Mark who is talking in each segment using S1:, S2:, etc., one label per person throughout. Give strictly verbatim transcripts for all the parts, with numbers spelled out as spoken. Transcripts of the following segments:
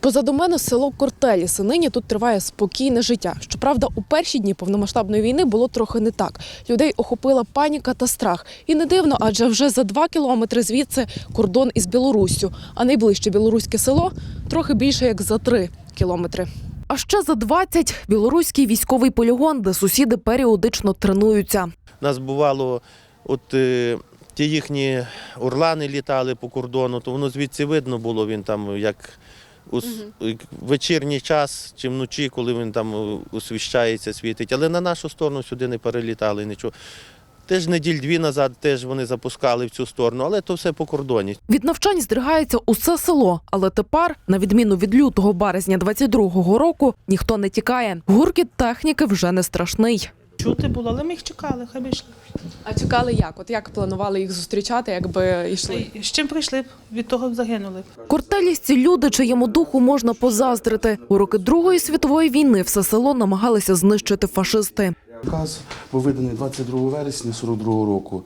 S1: Позаду мене село Кортеліси. Нині тут триває спокійне життя. Щоправда, у перші дні повномасштабної війни було трохи не так. Людей охопила паніка та страх. І не дивно, адже вже за два кілометри звідси кордон із Білоруссю, а найближче білоруське село трохи більше як за три кілометри. А ще за двадцять – білоруський військовий полігон, де сусіди періодично тренуються.
S2: Нас бувало, от е, ті їхні орлани літали по кордону, то воно звідси видно було, він там як у угу. вечірній час чи вночі, коли він там освіщається, світить. Але на нашу сторону сюди не перелітали нічого. Теж неділь-дві назад теж вони запускали в цю сторону, але то все по кордоні.
S1: Від навчань здригається усе село, але тепер, на відміну від лютого-березня двадцять другого року, ніхто не тікає. Гуркіт техніки вже не страшний.
S3: Чути було, але ми їх чекали, хай би йшли.
S1: А чекали як? От як планували їх зустрічати, якби йшли?
S3: З чим прийшли б, від того б загинули.
S1: Кортелісці – люди, чиєму духу можна позаздрити. У роки Другої світової війни все село намагалися знищити фашисти.
S4: Указ був виданий двадцять другого вересня сорок другого року,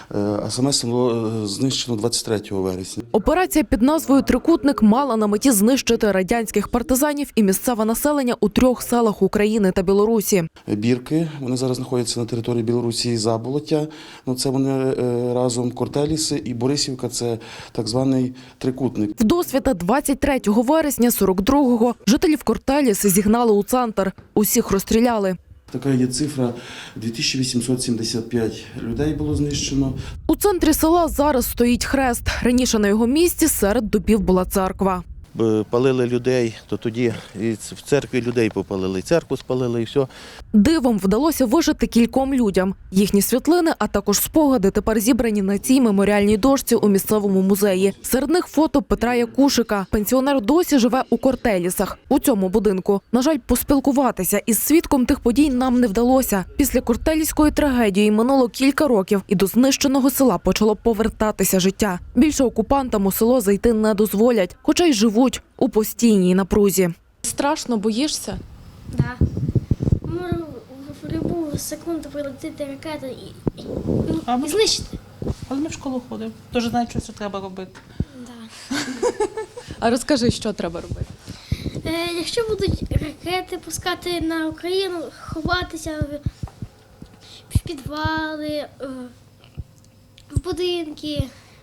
S4: а саме село знищено двадцять третього вересня.
S1: Операція під назвою «Трикутник» мала на меті знищити радянських партизанів і місцеве населення у трьох селах України та Білорусі.
S4: Бірки, вони зараз знаходяться на території Білорусі і Заболоття, ну, це вони разом Кортеліси, і Борисівка – це так званий Трикутник.
S1: Вдосвіта двадцять третього вересня сорок другого жителів Кортеліси зігнали у центр. Усіх розстріляли.
S4: Така є цифра – дві тисячі вісімсот сімдесят п'ять людей було знищено.
S1: У центрі села зараз стоїть хрест. Раніше на його місці серед дубів була церква.
S2: Палили людей, то тоді і в церкві людей попалили, церкву спалили і все.
S1: Дивом вдалося вижити кільком людям. Їхні світлини, а також спогади тепер зібрані на цій меморіальній дошці у місцевому музеї. Серед них фото Петра Якушика. Пенсіонер досі живе у Кортелісах, у цьому будинку. На жаль, поспілкуватися із свідком тих подій нам не вдалося. Після кортеліської трагедії минуло кілька років, і до знищеного села почало повертатися життя. Більше окупантам у село зайти не дозволять, хоча й живуть у постійній напрузі. Страшно, боїшся?
S5: Так. Да. Може в будь-яку секунду прилетіти ракета і, і,
S3: а
S5: і знищити.
S3: Але ми в школу ходимо, дуже знаємо, що це треба робити.
S5: Да.
S1: А розкажи, що треба робити?
S5: Е, якщо будуть ракети пускати на Україну, ховатися в, в підвали, в будинки,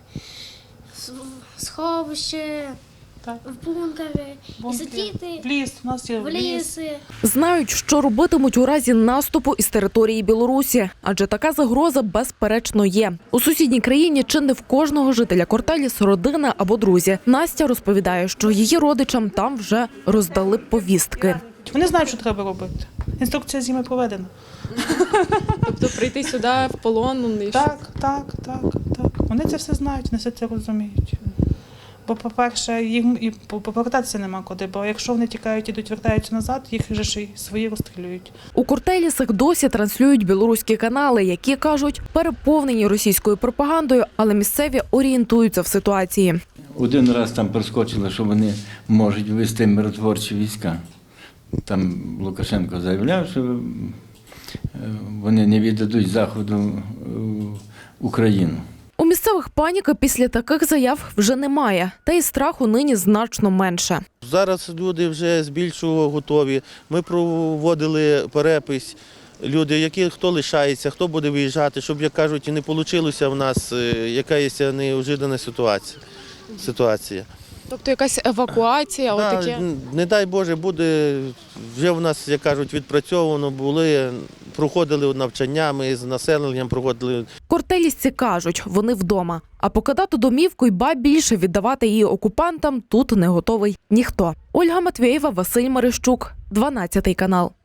S5: в сховище.
S3: Так.
S5: В бункери,
S3: Бункери.
S5: і сидіти
S3: в ліс, у нас є
S5: в ліси.
S1: Знають, що робитимуть у разі наступу із території Білорусі, адже така загроза безперечно є. У сусідній країні чи не в кожного жителя Кортеліс родина або друзі. Настя розповідає, що її родичам там вже роздали повістки.
S3: Вони знають, що треба робити. Інструкція зими проведена.
S1: Тобто прийти сюди в полон?
S3: Так, так, так, так. Вони це все знають, вони все це розуміють. Бо, по-перше, їм і повертатися нема куди, бо якщо вони тікають, ідуть, вертаються назад, їх вже ж і свої розстрілюють.
S1: У Кортелісах досі транслюють білоруські канали, які, кажуть, переповнені російською пропагандою, але місцеві орієнтуються в ситуації.
S6: Один раз там проскочило, що вони можуть вести миротворчі війська. Там Лукашенко заявляв, що вони не віддадуть Заходу Україну.
S1: У місцевих паніки після таких заяв вже немає, та й страху нині значно менше.
S2: Зараз люди вже збільшого готові. Ми проводили перепис. Люди, які хто лишається, хто буде виїжджати, щоб, як кажуть, і не вийшло в нас якась неожиданна ситуація. ситуація.
S1: Тобто якась евакуація?
S2: Да,
S1: отаке?
S2: Не дай Боже, буде, вже в нас, як кажуть, відпрацьовано, були, проходили навчання, ми з населенням проходили.
S1: Кортелісці кажуть, вони вдома. А покидати домівку й ба більше віддавати її окупантам тут не готовий ніхто. Ольга Матвєєва, Василь Марищук, дванадцятий канал.